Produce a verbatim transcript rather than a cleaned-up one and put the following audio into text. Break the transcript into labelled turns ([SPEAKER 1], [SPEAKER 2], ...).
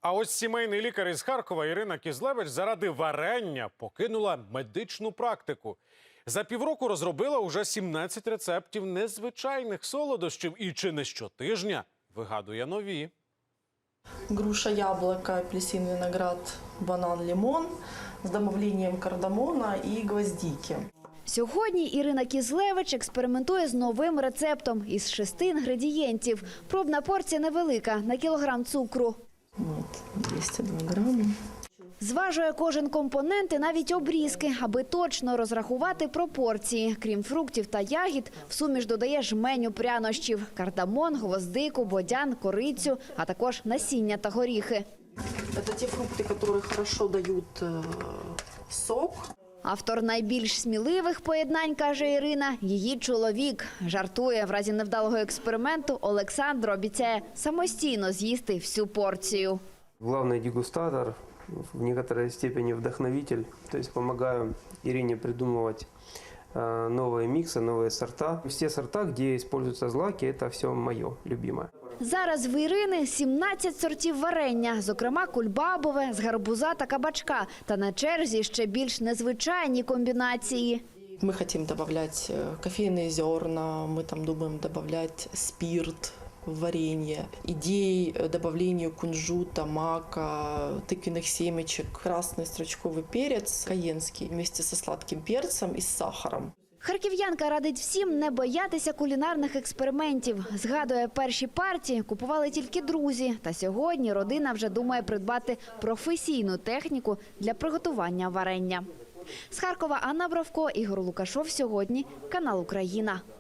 [SPEAKER 1] А ось сімейний лікар із Харкова Ірина Кізлевич заради варення покинула медичну практику. За півроку розробила уже сімнадцять рецептів незвичайних солодощів і чи не щотижня вигадує нові.
[SPEAKER 2] Груша, яблоко, апельсин, виноград, банан, лимон з добавленням кардамона і гвоздики.
[SPEAKER 3] Сьогодні Ірина Кізлевич експериментує з новим рецептом із шести інгредієнтів. Пробна порція невелика, на кілограм цукру.
[SPEAKER 2] От, двісті два грами.
[SPEAKER 3] Зважує кожен компонент і навіть обрізки, аби точно розрахувати пропорції. Крім фруктів та ягід, в суміш додає жменю прянощів – кардамон, гвоздику, бодян, корицю, а також насіння та горіхи.
[SPEAKER 2] Це ті фрукти, які добре дають сок.
[SPEAKER 3] Автор найбільш сміливих поєднань, каже Ірина, її чоловік. Жартує, в разі невдалого експерименту Олександр обіцяє самостійно з'їсти всю порцію.
[SPEAKER 4] Главный дегустатор, в некоторой степени вдохновитель, то есть помогаю Ирине придумывать новые миксы, новые сорта. Все сорта, где используются злаки, это все мое любимое.
[SPEAKER 3] Зараз в Ірини сімнадцять сортів варення, зокрема кульбабове, з гарбуза та кабачка. Та на черзі ще більш незвичайні комбінації.
[SPEAKER 2] Ми хочемо додати кофейні зерна, ми там думаємо додати спирт в варенье. Идеи добавления кунжута, мака, тыквенных семечек, красный стручковый перец, каенский вместе со сладким перцем и с сахаром.
[SPEAKER 3] Харків'янка радить всім не боятися кулінарних експериментів. Згадує, перші партії купували тільки друзі. Та сьогодні родина вже думає придбати професійну техніку для приготування варення. З Харкова Анна Бровко, Ігор Лукашов. Сьогодні. Канал Україна.